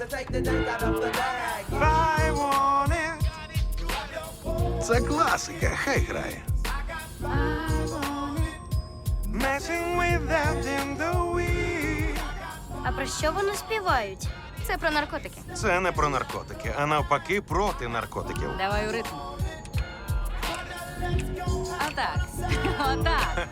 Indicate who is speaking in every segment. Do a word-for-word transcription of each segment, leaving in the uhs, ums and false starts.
Speaker 1: I want it.
Speaker 2: Це класика, хай грає.
Speaker 1: Messing with that in the week.
Speaker 3: А про що вони співають?
Speaker 4: Це про наркотики.
Speaker 1: Це не про наркотики, а навпаки проти наркотиків.
Speaker 4: Давай у ритм. Отак. Отак.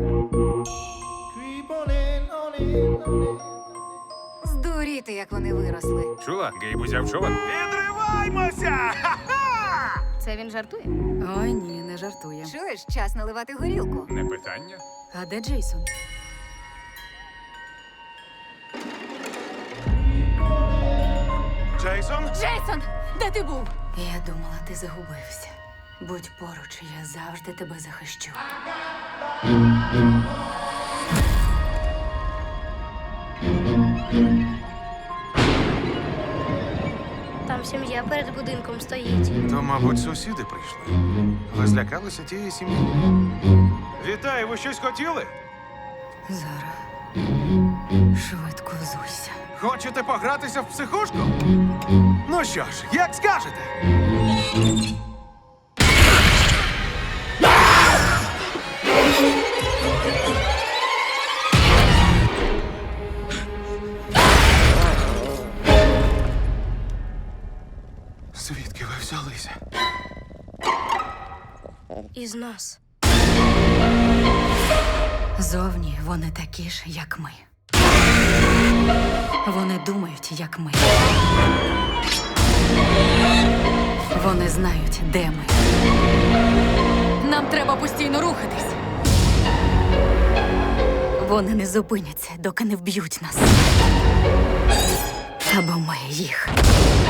Speaker 4: Здуріти, як вони виросли.
Speaker 5: Чула? Гейб узяв човен.
Speaker 1: Відриваймося! Ха-ха!
Speaker 4: Це він жартує?
Speaker 6: Ой, ні, не жартує.
Speaker 4: Чуєш, час наливати горілку.
Speaker 5: Не питання.
Speaker 6: А де Джейсон?
Speaker 1: Джейсон?
Speaker 4: Джейсон, де ти був?
Speaker 6: Я думала, ти загубився. Будь поруч, я завжди тебе захищу.
Speaker 3: Там сім'я перед будинком стоїть.
Speaker 1: То, мабуть, сусіди прийшли. Ви злякалися тієї сім'ї? Вітаю, ви щось хотіли?
Speaker 6: Зара, швидко взуйся.
Speaker 1: Хочете погратися в психушку? Ну що ж, як скажете? Звідки ви взялися?
Speaker 3: Із нас.
Speaker 6: Зовні вони такі ж, як ми. Вони думають, як ми. Вони знають, де ми. Нам треба постійно рухатись. Вони не зупиняться, доки не вб'ють нас. Або ми їх.